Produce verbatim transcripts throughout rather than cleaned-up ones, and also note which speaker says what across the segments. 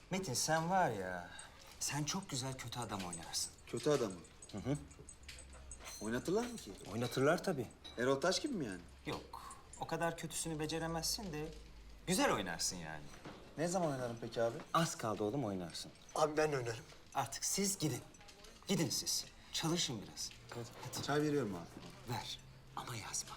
Speaker 1: Metin sen var ya, sen çok güzel kötü adam oynarsın.
Speaker 2: Kötü adamı. Hı hı. Oynatırlar mı ki?
Speaker 1: Oynatırlar tabii.
Speaker 2: Erol Taş gibi mi yani?
Speaker 1: Yok, o kadar kötüsünü beceremezsin de güzel oynarsın yani.
Speaker 2: Ne zaman oynarım peki abi?
Speaker 1: Az kaldı oğlum oynarsın.
Speaker 3: Abi ben oynarım.
Speaker 1: Artık siz gidin. Gidin siz. Çalışın biraz. Hadi
Speaker 2: Çay veriyorum abi.
Speaker 1: ver ama yazma.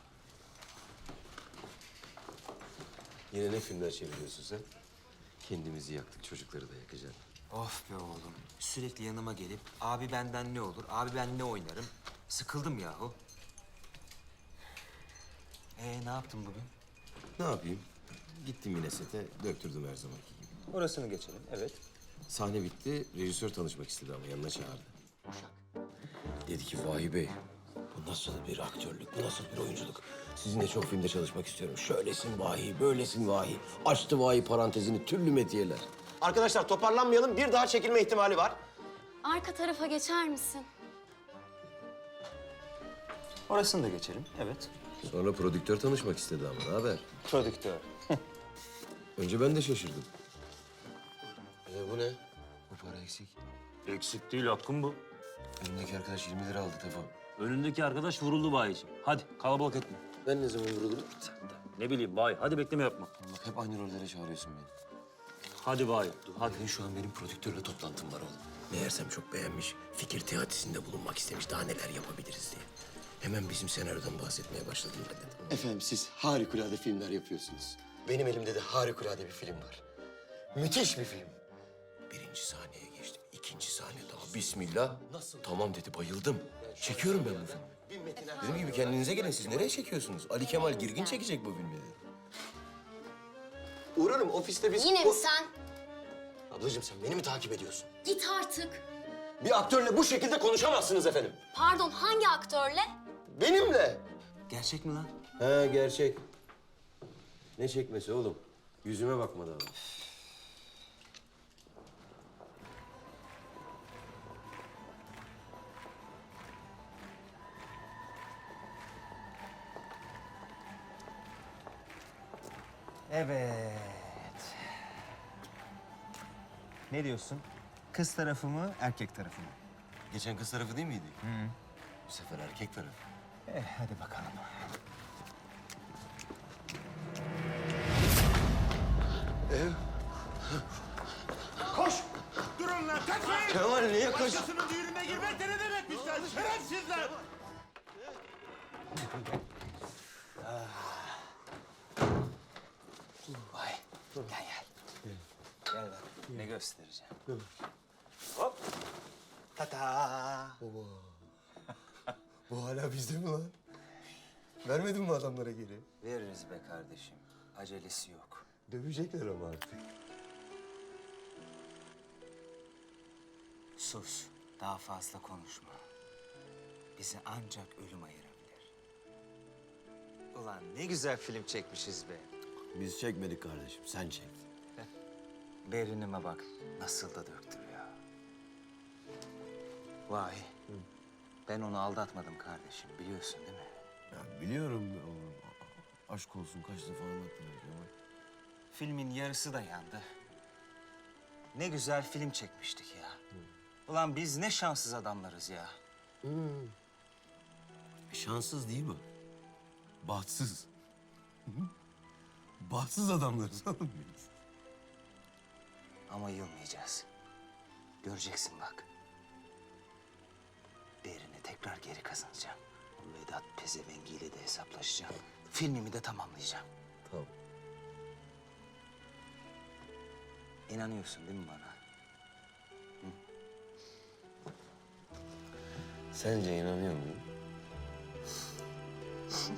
Speaker 4: Yine ne filmler çeviriyorsun sen? Kendimizi yaktık, çocukları da yakacaksın.
Speaker 1: Of be oğlum. Sürekli yanıma gelip abi benden ne olur, abi ben ne oynarım? Sıkıldım yahu. Ee ne yaptın bugün?
Speaker 4: Ne yapayım? Gittim yine sete, döktürdüm her zamanki gibi.
Speaker 1: Orasını geçelim, evet.
Speaker 4: Sahne bitti, rejisör tanışmak istedi ama yanına çağırdı. Dedi ki, Vahi Bey, bu nasıl bir aktörlük, bu nasıl bir oyunculuk? Sizinle çok filmde çalışmak istiyorum. Şöylesin Vahi, böylesin Vahi. Açtı Vahi parantezini, türlü metiyeler.
Speaker 5: Arkadaşlar toparlanmayalım. Bir daha çekilme ihtimali var.
Speaker 6: Arka tarafa geçer misin?
Speaker 1: Orasını da geçelim, evet.
Speaker 4: Sonra prodüktör tanışmak istedi ama ne haber?
Speaker 1: Prodüktör.
Speaker 4: Önce ben de şaşırdım. E bu ne? Bu para eksik.
Speaker 7: Eksik değil, hakkım bu.
Speaker 4: Önümdeki arkadaş yirmi lira aldı Tefo.
Speaker 7: Önündeki arkadaş vuruldu bayiciğim. Hadi kalabalık etme.
Speaker 4: Ben ne zaman vuruldum?
Speaker 7: Ne bileyim bay, hadi bekleme yapma.
Speaker 4: Bak hep aynı rollere çağırıyorsun beni.
Speaker 7: Hadi bay, hadi.
Speaker 4: Hadi şu an benim prodüktörle toplantım var oğlum. Meğersem çok beğenmiş, fikir teatisinde bulunmak istemiş, daha neler yapabiliriz diye. Hemen bizim senaryodan bahsetmeye başladım ben dedim. Efendim siz harikulade filmler yapıyorsunuz. Benim elimde de harikulade bir film var. Müthiş bir film. Birinci sahneye geçtim, ikinci sahne daha. Bismillah. Nasıl? Tamam dedi, bayıldım. Çekiyorum ben bu filmi. Dediğim gibi kendinize gelin, siz nereye çekiyorsunuz? Ali Kemal Girgin çekecek bu filmi dedi. Uğrarım, ofiste biz...
Speaker 6: Yine mi sen?
Speaker 4: Ablacığım sen beni mi takip ediyorsun?
Speaker 6: Git artık.
Speaker 4: Bir aktörle bu şekilde konuşamazsınız efendim.
Speaker 6: Pardon, hangi aktörle?
Speaker 4: Benimle.
Speaker 1: Gerçek mi lan?
Speaker 4: He gerçek. Ne çekmesi oğlum? Yüzüme bakmadı adam.
Speaker 1: Evet. Ne diyorsun? Kız tarafı mı, erkek tarafı mı?
Speaker 4: Geçen kız tarafı değil miydi? Hı. Bu sefer erkek tarafı.
Speaker 1: Eh, hadi bakalım.
Speaker 3: Koş! Durun lan kaçmayın!
Speaker 4: Kemal niye koş?
Speaker 3: Başkasının düğününe girmek de ne demekmiş lan? Şerefsizler!
Speaker 1: Vay, gel gel. Gel bak, ne göstereceğim.
Speaker 3: Tata!
Speaker 4: Bu hala bizde mi lan? Vermedin mi adamlara geri?
Speaker 1: Veririz be kardeşim. Acelesi yok.
Speaker 4: Dövecekler ama artık.
Speaker 1: Sus, daha fazla konuşma. Bizi ancak ölüm ayırabilir. Ulan ne güzel film çekmişiz be.
Speaker 4: Biz çekmedik kardeşim, sen çektin.
Speaker 1: Berinime bak, nasıl da döktürüyor. Vay, ben onu aldatmadım kardeşim, biliyorsun değil mi?
Speaker 4: Ya biliyorum oğlum. Aşk olsun kaç defa anlattın ama.
Speaker 1: Filmin yarısı da yandı. Ne güzel film çekmiştik ya. Ulan biz ne şanssız adamlarız ya.
Speaker 4: Şanssız değil mi? Bahtsız. Bahtsız adamlarız oğlum biz.
Speaker 1: Ama yılmayacağız. Göreceksin bak. Değerini tekrar geri kazanacağım. O Vedat pezevengiyle de hesaplaşacağım. Filmimi de tamamlayacağım.
Speaker 4: Tamam.
Speaker 1: İnanıyorsun değil mi bana?
Speaker 4: Sence inanıyor muyum?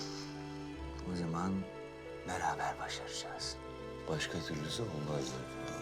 Speaker 1: O zaman beraber başaracağız.
Speaker 4: Başka türlüsü olmaz zaten.